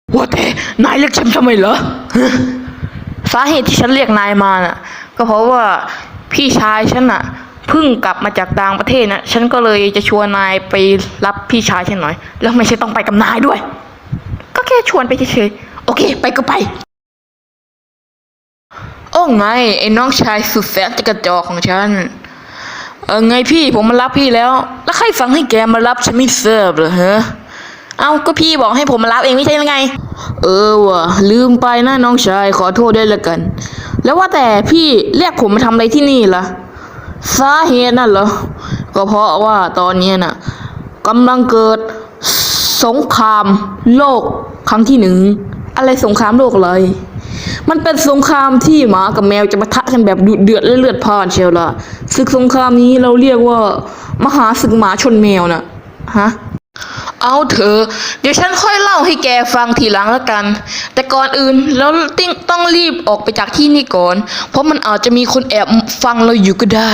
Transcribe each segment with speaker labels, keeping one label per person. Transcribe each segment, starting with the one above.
Speaker 1: ว่าแต่นายเรียกฉันทำไมเหรอสาเหตุที่ฉันเรียกนายมาน่ะก็เพราะว่าพี่ชายฉันน่ะเพิ่งกลับมาจากต่างประเทศนะฉันก็เลยจะชวนนายไปรับพี่ชายฉันหน่อยแล้วไม่ใช่ต้องไปกับนายด้วยก็แค่ชวนไปเฉยๆโอเคไปก็ไปโอ้ไงไอ้น้องชายสุดแสนจะกระจอกของฉันไงพี่ผมมารับพี่แล้วใครสั่งให้แกมารับฉันไม่ทราบเหรอฮะเอาก็พี่บอกให้ผมมารับเองไม่ใช่ยังไงว่ะลืมไปนะน้องชายขอโทษด้วยละกันแล้วว่าแต่พี่เรียกผมมาทำอะไรที่นี่ล่ะสาเหตุนั่นเหรอก็เพราะว่าตอนนี้น่ะกำลังเกิดสงครามโลกครั้งที่1อะไรสงครามโลกอะไรมันเป็นสงครามที่หมากับแมวจะปะทะกันแบบดุเดือดและเลือดพล่านเชียวล่ะศึกสงครามนี้เราเรียกว่ามหาศึกหมาชนแมวน่ะฮะเอาเถอะเดี๋ยวฉันค่อยเล่าให้แกฟังทีหลังแล้วกันแต่ก่อนอื่นเราต้องรีบออกไปจากที่นี่ก่อนเพราะมันอาจจะมีคนแอบฟังเราอยู่ก็ได้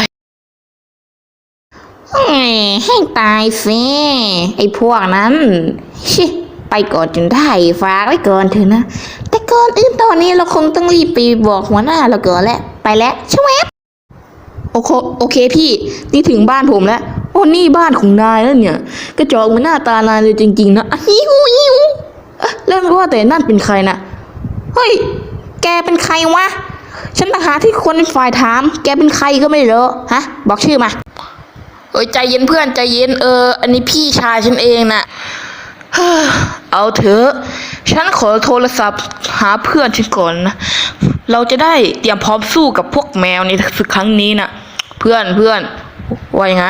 Speaker 2: ให้ตายสิไอ้พวกนั้นชิไปก่อนจนได้ฝากไว้ก่อนเถอะนะแต่ก่อนอื่นตอนนี้เราคงต้องรีบไปบอกหัวหน้าเราก่อนแหละไปแล้วช่วย
Speaker 1: โอเคพี่นี่ถึงบ้านผมแล้วโอ้นี่บ้านของนายแล้วเนี่ยกระจอกเหมือนหน้าตานายเลยจริงๆนะหิวแล้วว่าแต่นั่นเป็นใครนะ
Speaker 2: เฮ้ยแกเป็นใครวะฉันต่างหากที่คนเป็นฝ่ายถามแกเป็นใครก็ไม่รู้ฮะบอกชื่อมา
Speaker 1: ใจเย็นเพื่อนใจเย็นอันนี้พี่ชายฉันเองนะเอาเถอะฉันขอโทรศัพท์หาเพื่อนฉันก่อนนะเราจะได้เตรียมพร้อมสู้กับพวกแมวในศึกครั้งนี้นะเพื่อนว่ายังไง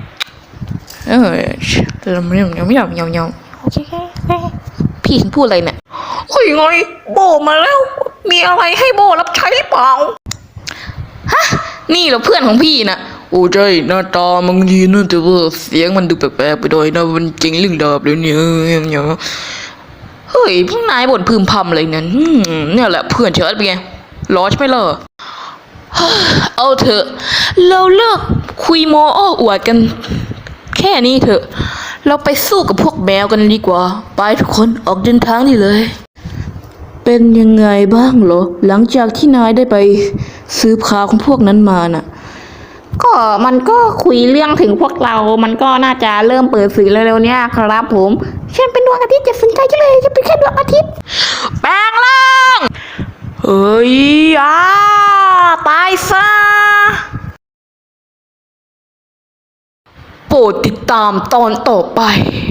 Speaker 1: เราไม่โอเคพี่ฉันพูดอะไรเนี่ยโอ้ยไงโบมาแล้วมีอะไรให้โบรับใช้หรือเปล่าฮะนี่เหรอเพื่อนของพี่นะโอ้ใช่หน้าตามันดีนะแต่ว่าเสียงมันดูแปลกๆไปหน่อยนะมันจริงเรื่องดาบเลยเนี่ยเฮ้ยพวกนายบ่นพึมพำอะไรเนี่ยเนี่ยแหละเพื่อนเชิดเป็นไงร้อนใช่ไหมล่ะเอาเถอะเราเลิกคุยโมโอ้อวดกันแค่นี้เถอะเราไปสู้กับพวกแมวกันดีกว่าไปทุกคนออกเดินทางนี่เลยเป็นยังไงบ้างเหรอหลังจากที่นายได้ไปซื้อพาของพวกนั้นมาน่ะ
Speaker 2: ก็มันก็คุยเรื่องถึงพวกเรามันก็น่าจะเริ่มเปิดสื่อเร็วๆเนี้ยครับผมฉันเป็นดวงอาทิตย์จะสนใจจังเลยจะเป็นแค่ดวงอาทิตย์
Speaker 1: แปลงร่างเฮ้ยตายซะโปรดติดตามตอนต่อไป